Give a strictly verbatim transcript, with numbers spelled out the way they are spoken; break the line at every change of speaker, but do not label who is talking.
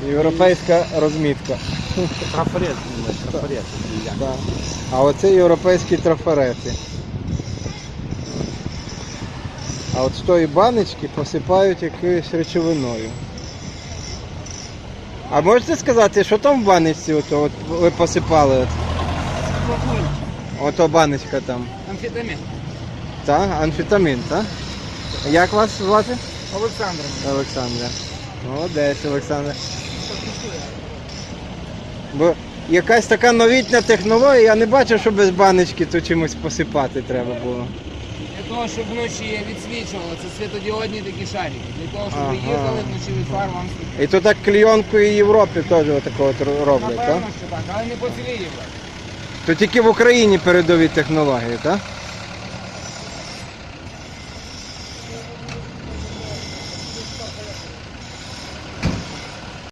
Європейська розмітка.
Трафарет, трафарет.
Да. А оце європейські трафарети. А от з тої баночки посипають якоюсь речовиною. А можете сказати, що там в баночці ото, от ви посипали? От? Ото баночка там.
Амфетамін.
Так, амфетамін, так? Як вас звати?
Олександр.
Олександр. Молодець, Олександр. Бо якась така новітня технологія, я не бачив, що без баночки то чимось посипати треба було.
Для того, щоб вночі відсвічувало, це світодіодні такі шарики. Для того, щоб ви
Ага.
їздили вночі від фар вам світить.
І то так клейонкою Європі теж отакого от роблять, так?
Напевно, що так, але не по цілій Європі.
То тільки в Україні передові технології, так?